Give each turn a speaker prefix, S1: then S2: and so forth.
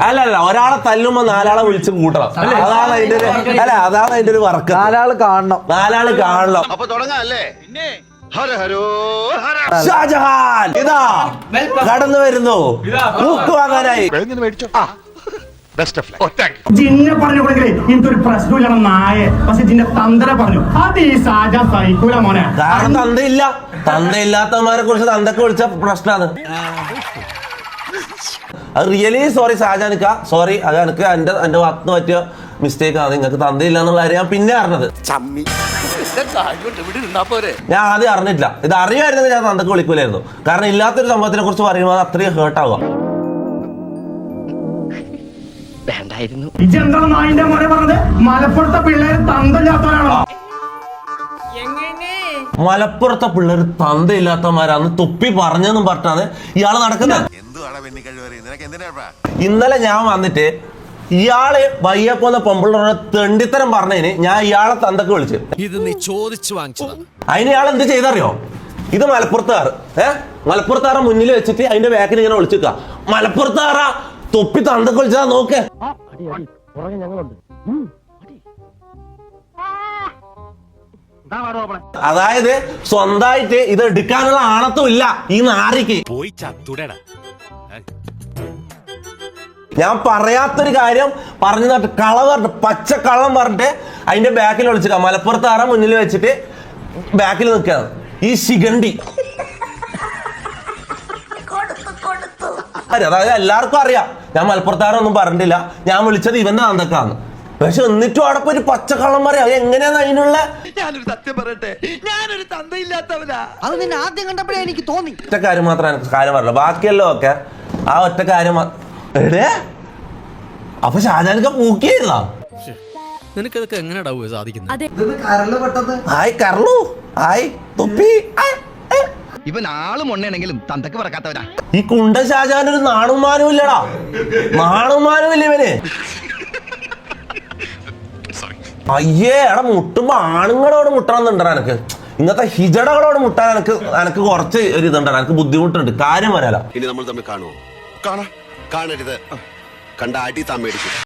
S1: അല്ലല്ല, ഒരാളെ തല്ലുമ്പോ 4 ആളെ വിളിച്ച് കൂട്ടണം. അതാണ് അതിന്റെ ഒരു വർക്ക്.
S2: 4 ആള് കാണണം.
S1: 4 ആള് കാണണം.
S3: അപ്പൊ തുടങ്ങാല്ലേ?
S1: ഷാജഹാൻ ഇതാ കടന്നു വരുന്നു. ബുക്ക് വാങ്ങാനായി.
S4: ജിന്നെ പറഞ്ഞു കൊടുക്കലേ ഇതൊരു പ്രശ്നമില്ല നായ. പക്ഷെ ജിന്റെ തന്തര പറഞ്ഞു അത് ഈ സാജ സൈക്കൂല മോനെ.
S1: കാരണം തന്തയില്ലാത്തവന്മാരെ കുറിച്ച് തന്തക്ക് വിളിച്ച പ്രശ്നമാണ്. അത് റിയലി സോറി ഷാജാനിക്ക, സോറി. അത് എനിക്ക് എന്റെ ഭാഗത്ത് പറ്റിയ മിസ്റ്റേക്ക് ആണ്. നിങ്ങൾക്ക് തന്തയില്ല എന്നുള്ള കാര്യം ഞാൻ പിന്നെ അറിഞ്ഞത്. ഞാൻ ആദ്യം അറിഞ്ഞിട്ടില്ല. ഇത് അറിയുമായിരുന്നെങ്കിൽ ഞാൻ തന്തക്ക് വിളിക്കൂലായിരുന്നു. കാരണം ഇല്ലാത്തൊരു സംഭവത്തിനെ കുറിച്ച് പറയുമ്പോൾ അത് അത്രയും ഹേർട്ടാവുക.
S4: നായിന്റെ മോനെ പറഞ്ഞത് മലപ്പുറത്തെ പിള്ളേര് തന്തയില്ലാത്തവരാണോ?
S1: മലപ്പുറത്തെ പിള്ളേർ തന്തയില്ലാത്തവന്മാരാന്ന് തൊപ്പി പറഞ്ഞെന്നും പറഞ്ഞാണ് ഇയാള് നടക്കുന്നത്. ഇന്നലെ ഞാൻ വന്നിട്ട് ഇയാള് വയ്യപ്പോന്ന പൊമ്പിള്ളേരുടെ തെണ്ടിത്തരം പറഞ്ഞതിന് ഞാൻ ഇയാളെ തന്തക്ക് വിളിച്ചു.
S5: ഇത് നീ ചോദിച്ചു വാങ്ങിച്ചതാ.
S1: അതിന് ഇയാൾ എന്ത് ചെയ്തറിയോ? ഇത് മലപ്പുറത്തുകാർ മലപ്പുറത്തുകാരെ മുന്നിൽ വെച്ചിട്ട് അതിന്റെ ബാക്കിൽ ഇങ്ങനെ വിളിച്ചിക്ക. മലപ്പുറത്തുകാര തൊപ്പി തന്തക്ക് വിളിച്ചതാ നോക്ക്. അതായത് സ്വന്തമായിട്ട് ഇത് എടുക്കാനുള്ള ആണത്തും ഇല്ല ഈ നാരിക്ക്.
S5: പോയി ചത്തുടടാ.
S1: ഞാൻ പറയാത്തൊരു കാര്യം പറഞ്ഞു തട്ട് കള പറഞ്ഞിട്ട് പച്ച കള്ളം പറഞ്ഞിട്ട് അതിന്റെ ബാക്കിൽ വിളിച്ചിട്ടാ. മലപ്പുറത്തുകാരെ മുന്നിൽ വെച്ചിട്ട് ബാക്കിൽ നിൽക്കുകയാണ് ഈ ശിഖണ്ഡി. അതായത് എല്ലാവർക്കും അറിയാം ഞാൻ മലപ്പുറത്തുകാരൊന്നും പറഞ്ഞിട്ടില്ല. ഞാൻ വിളിച്ചത് ഇവന്റെ തന്തക്കാന്ന്. പക്ഷെ എന്നിട്ടും അവിടെ പോയി പച്ചക്കള്ളം പറയാം. എങ്ങനെയാന്ന് അതിനുള്ള
S6: ഞാനൊരു സത്യം പറയട്ടെ, ഞാനൊരു തന്തയില്ലാത്തവനാ.
S2: അത് നിന്നെ ആദ്യം കണ്ടപ്പോഴേ എനിക്ക് തോന്നി.
S1: ഒറ്റ കാര്യം മാത്രം എനിക്ക് കാര്യം പറഞ്ഞില്ല. ബാക്കിയല്ലോ ഒക്കെ ആ ഒറ്റ കാര്യം. അപ്പൊ ഷാജാനൊക്കെ പൂക്കിയായിരുന്നാ?
S5: നിനക്കതൊക്കെ എങ്ങനെയാ സാധിക്കുന്നത്?
S1: ഹായ് കർലു, ഹായ് തൊപ്പി.
S6: ഇവൻ ആളും ഉണ്ണയാണെങ്കിലും തന്തക്ക് പറക്കാത്തവനാ.
S1: ഈ കുണ്ട ഷാജാനൊരു നാണുമാനും ഇല്ലടാ. നാണുമാനും ഇല്ല ഇവന്. അയ്യേ എടാ, മുട്ടുമ്പോ ആണുങ്ങളോട് മുട്ടണമെന്നുണ്ടോ എനക്ക്? ഇങ്ങനത്തെ ഹിജടകളോട് മുട്ടാൻ എനക്ക് കുറച്ച് ഒരു ഇതുണ്ടോ, എനിക്ക് ബുദ്ധിമുട്ടുണ്ട്. കാര്യം വരാലോ.
S3: ഇനി നമ്മൾ തമ്മിൽ കാണുമോ? കാണരുത്. കണ്ട അടി താൻ മേടിക്കും.